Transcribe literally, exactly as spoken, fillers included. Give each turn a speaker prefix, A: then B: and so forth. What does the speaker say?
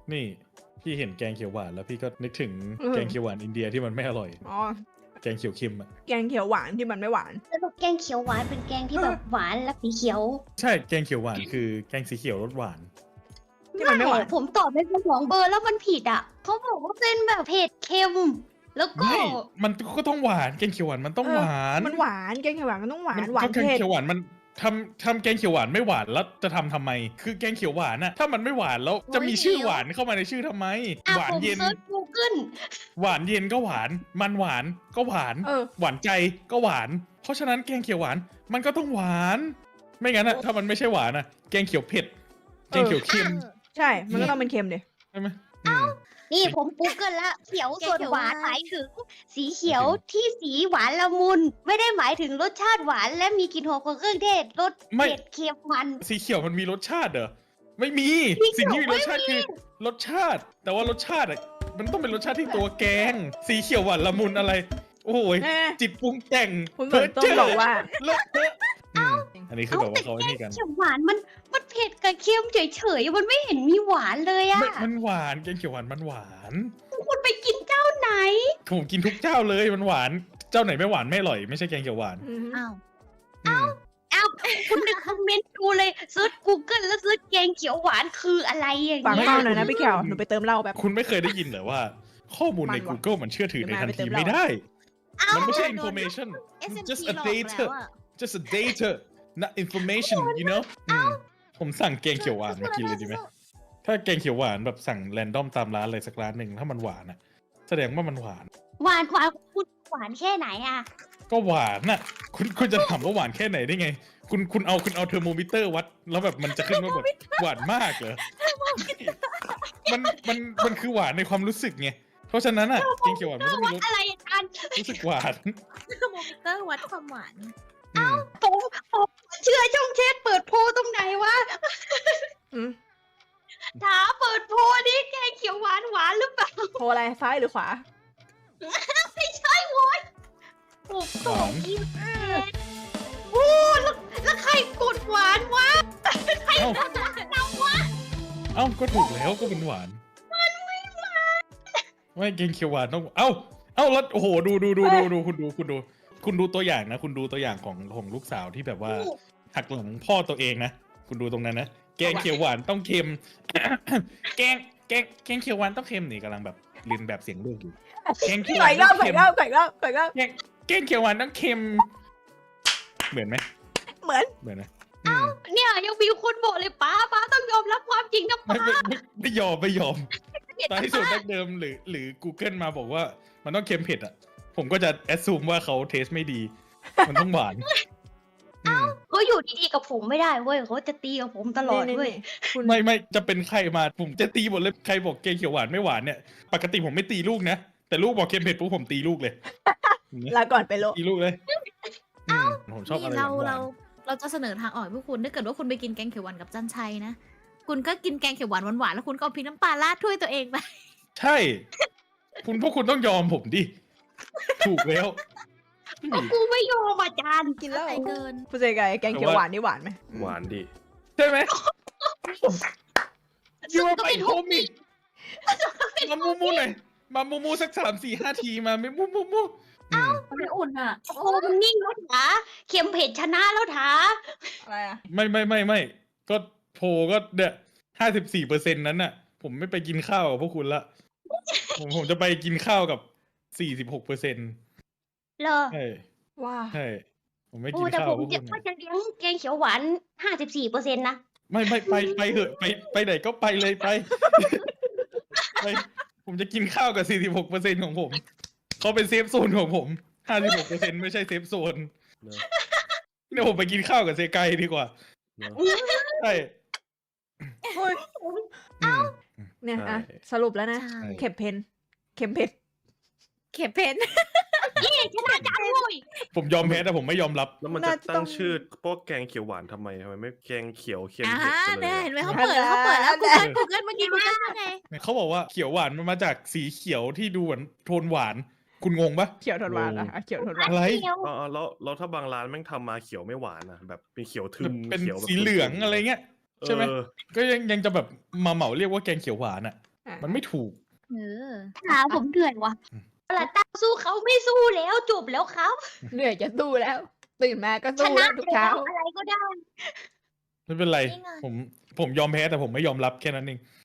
A: นี่พี่เห็นแกงเขียวหวานแล้วพี่ก็นึกถึงแกงเขียวหวานอินเดียที่มันไม่อร่อย
B: อ๋อ
A: แกงเขียวเค็มอะ
B: แกงเขียวหวานที่มันไม่หวาน
C: แล้วแกงเขียวหวานเป็นแกงที่แบบหวานและสีเขียว
A: ใช่แกงเขียวหวานคือแกงสีเขียวรสหวาน
B: ที่มันไม่หวาน
C: ผมตอบในสมองเบอร์แล้วมันผิดอ่ะเขาบอกว่าเป็นแบบเผ็ดเค็ม แล้วก็
A: ไม่มันก็ต้องหวานแกงเขียวหวานมันต้องหวาน
B: มันหวานแกงเขียวหวานมันต้องหวาน
A: มัน
B: หวาน
A: แกง
B: เผ็ด
A: เขียวหวานมันทำทำแกงเขียวหวานไม่หวานแล้วจะทำทำไม คือแกงเขียวหวานอะถ้ามันไม่หวานแล้วจะมีชื่อหวานเข้ามาในชื่อทำไม
C: อ่ะ
A: หวาน
C: ผม
A: เย็น
C: เซิร์ช Google
A: หวานเย็นก็หวาน มันหวานก็หวาน
B: เออ
A: หวานใจก็หวาน เพราะฉะนั้นแกงเขียวหวานมันก็ต้องหวาน ไม่งั้นอะถ้ามันไม่ใช่หวานอะแกงเขียวเผ็ดแกงเขียวเค็ม
B: ใช่มันก็ต้องเป็นเค็มดิ
A: ใช่ไหมอืม
C: นี่ผม Google ละเขียวส่วน
D: แกงเขียว
C: หวาน
D: หวาน
C: หมายถึง สีเขียวที่สีหวานละมุน ไม่ได้หมายถึงรสชาติหวานและมีกลิ่นหอมของเครื่องเทศรส
A: ไม่
C: เผ็ดเค็มมัน
A: สีเขียวมันมีรสชาติเหรอไม่มี
C: สีเขียว
A: สิ่งที่มีรสชาติ
C: ไม่มี
A: คือรสชาติ แต่ว่ารสชาติอะมันต้องเป็นรสชาติที่ตัวแกง สีเขียวหวานละมุนอะไร โอ้โหย
B: แน่
A: จิตปรุงแต่ง
B: คุณเหมือนต้องบอกว่า
A: เลอะเทอะอืมอันนี้คือแบบว่าเขาไอ้นี่กัน
C: เขียวหวานมันมันเผ็ดกับเค็มเฉยๆมันไม่เห็นมีหวานเลยอะ
A: ไม่มันหวานแกงเขียวหวานมันหวาน
C: คุณไปกินเจ้าไหน
A: ผมกินทุกเจ้าเลยมันหวาน เจ้าไหนไม่หวานไม่อร่อยไม่ใช่แกงเขียวหวาน
B: อืม
D: อ้าว
A: อืม
C: อ้าวคุณในคอมเมนต์ดูเลยเซิร์ช Google แล้วเซิร์ชแกงเขียวหวานคืออะไรอย่าง
B: ฝาก
C: เงี้ย
B: เป้าหน่อยนะพี่เขียวหนูไปเติมเหล้าแบบ
A: คุณไม่เคยได้ยินเหรอว่า ข้อมูลใน
B: มันว่ะ
A: Google มันเชื่อถือในทัน
B: เดี๋
A: ที
B: ยวมาไปเติม
A: ไม่ได้
C: เอ้า
A: มันไม่ใช่
D: โดน
A: information
D: เอส
A: it's
D: เอ็ม
A: just
D: พี
A: a
D: หลอก
A: data
D: แล้วอะ
A: just a data not information you know อืมผมสั่งแกงเขียวหวานมากินเลยดีไหม ถ้าแกงเขียวหวานแบบสั่งแรนดอมตามร้านอะไรสักร้านหนึ่งถ้ามันหวานอ่ะ แสดงว่ามันหวาน
C: หวานหวานคุณหวานแค่ไหนอะ
A: ก็หวานน่ะ คุณคุณจะถามว่าหวานแค่ไหนได้ไง คุณคุณเอาคุณเอาเทอร์โมมิเตอร์วัด แล้วแบบมันจะขึ้นว่าแบบหวานมากเหรอมันมันมันคือหวานในความรู้สึกไงเพราะฉะนั้นอ่ะแกงเขียวหวานมันต้องมีรส
C: อะไรกัน
A: รู้สึกหวาน
D: เทอร์โมมิเตอร์วัดความหวาน
A: อืม
C: ผมผมเชื่อช่องเชฟเปิดโพลตรงไหนวะ
B: อืม
C: ถามเปิดโพลนี่แกงเขียวหวานหวานหรือเปล่า
B: โทรอะไรซ้ายหรือขวา
C: ไม่ใช่โว้ยผม
A: หวาน
C: กินโอ้แล้วแล้วใครกดหวานวะใคร
A: เอ้า
C: กดหวานเอาวะ
A: เอ้าก็ถูกแล้วก็เป็นหวานมันไม่หวานไม่แกงเขียวหวานต้องเอ้าเอ้าแล้วโอ้โหดูดูดูดูดูคุณดูคุณดู คุณดูตัวอย่างนะ คุณดูตัวอย่างของของลูกสาวที่แบบว่าหักหลังพ่อตัวเองนะ คุณดูตรงนั้นนะแกงเขียวหวานต้องเค็ม แกงแกงแกงเขียวหวานต้องเค็มนี่กำลังแบบเรียนแบบเสียงลูกอยู่แกงเขียวห
B: ใส่
A: วาน
B: รอบ
A: ต้อง
B: ใส่
A: เค็ม
B: รอบใส่รอบใส่รอบ
A: แกงแกงเขียวหวานต้องเค็ม เหมือนไหม
B: เหมือน
A: เหมือนไหมอืม
C: เนี่ยยังมีคนบอกเลยป้าป้าต้องยอมรับความจริงนะ
A: ไม่
C: ป้า
A: ไม่ไม่ไม่ยอมไม่ยอมตอนที่สุดดั้งเดิมหรือหรือ Google มาบอกว่ามันต้องเค็มเผ็ดอ่ะ ผมก็จะแอดซูมว่าเขาเทสไม่ดี มันต้องหวานอืม
C: เขาอยู่ดีๆกับผมไม่ได้เว้ยเขาจะตีกับผมตลอดเว้ย
B: คุณ
A: ไม่ไม่จะเป็นใครมาผมจะตีหมดเลยใครบอกแกงเขียวหวานไม่หวานเนี่ยปกติผมไม่ตีลูกนะแต่ลูกบอกเค็มเผ็ดปุ๊บผมตีลูกเลย
B: ลาก่อนไปโล
A: ตีลูกเลยอืมผมชอบอะไร
D: นี่เรา
A: หวา
D: เรา
A: น
D: เราจะเสนอทางออกให้พวกคุณถ้าเกิดว่าคุณไปกินแกงเขียวหวานกับจันชัยนะ คุณก็กินแกงเขียวหวานหวานๆแล้วคุณก็เอาพริกน้ำปลาราดถ้วยตัวเองไป
A: ๆใช่ คุณพวกคุณต้องยอมผมดิถูกแล้วนี่
C: กูไม่ยอมอาจารย์
B: กินแล้ว
D: ใจเกิน
B: ผู้ชายไก่แกงเขียวหวานนี่หวานไหม
E: หวานดิ
A: ใช่ไหมยู
C: ซึ่ง
A: ว่า
C: ก็
A: ไป
C: เป็น
A: โฮมิมามูมูหน่อยมามูมูสักสามสี่ห้าทีมาไม่มูมูมูอืม
C: ไม่อุ่นอ่ะโอ้มันนิ่งแล้วถาเค็มเผ็ดชนะแล้วถา
B: อะไรอ่ะ
A: ไม่ไม่ไม่ไม่ก็โพลก็เนี่ยห้าสิบสี่เปอร์เซ็นต์นั้นน่ะ ผมไม่ไปกินข้าวกับพวกคุณละผมผมจะไปกินข้าวกับสี่สิบหกเปอร์เซ็นต์
C: เหรอ
A: ใช่
B: ว้า
A: ใช่ผมไม่
C: โอ้
A: กิน
C: แต่
A: ข้าว
C: ผ
A: กับ
C: ม
A: พวก
C: จะ
A: คุณ
C: ว่า
A: น่ะ
C: จะเลี้ยงแกงเขียวหวานห้าสิบสี่เปอร์เซ็นต์นะ
A: ไม่ไม่ไปไปเหอะไปไปไหนก็ไปเลยไป ไป ผมจะกินข้าวกับสี่สิบหกเปอร์เซ็นต์ของผมเขาเป็นเซฟโซนของผมห้าสิบหกเปอร์เซ็นต์ไม่ใช่เซฟโซน
E: เนอะ
A: เนี่ยผมไปกินข้าวกับเซไกดีกว่า
E: เนอะ
A: ใช่
B: โอ้ย
A: อืม
B: เนี่ยอ่ะ
E: ใช่
B: สรุปแล้วนะ
D: ใช่
B: เข็มเพนเข็มเผ็ด
D: เข็มเพน
C: ชนะจังเลย
A: ผมยอมแพ้แต่ผมไม่ยอมรับ
E: แล้วมันจะตั้งชื่อพวกแกงเขียวหวานทำไมทำไมไม่แกงเขียวเค็ม
D: อ่า
E: เผ็ดไปเล
D: เนี่ย
E: ย
D: เห็นไหม
E: อะ
D: เขาเปิดแล้วเขาเปิดแล้ว Google Google เมื่อกี้ Google ว่าไง
A: เขาบอกว่าเขียวหวานมันมาจากสีเขียวที่ดูเหมือนโทนหวาน คุณงงปะ
B: เขียวทนหวานอ่ะอ่ะเขียวทนหวาน
A: อะไร
C: เขียว
E: อ๋อแล้วแล้วถ้าบางร้านแม่งทำมาเขียวไม่หวานอะแบบเป็นเขียวทึม
A: เป็น
E: เขียวแบบ
A: สีเหลืองอะไรเงี้ย ใช่ไหม
E: เออ
A: ก็ยังยังจะแบบมาเหมาเรียกว่าแกงเขียวหวานอ่ะมันไม่ถูก
D: เออ
C: ขาผมเหนื่อยว่ะปลาต้าสู้เขาไม่สู้แล้วจบแล้วครับ
B: เหนื่อยจะสู้แล้ว ตื่นมาก็
C: ช
B: สู้
C: นะ
B: แล้วทุก
C: แล้
B: เช้า
C: วอะไรก็ได้
A: ไม่เป็นไร
D: นี่ไง
A: ผมผมยอมแพ้แต่ผมไม่ยอมรับแค่นั้นเอง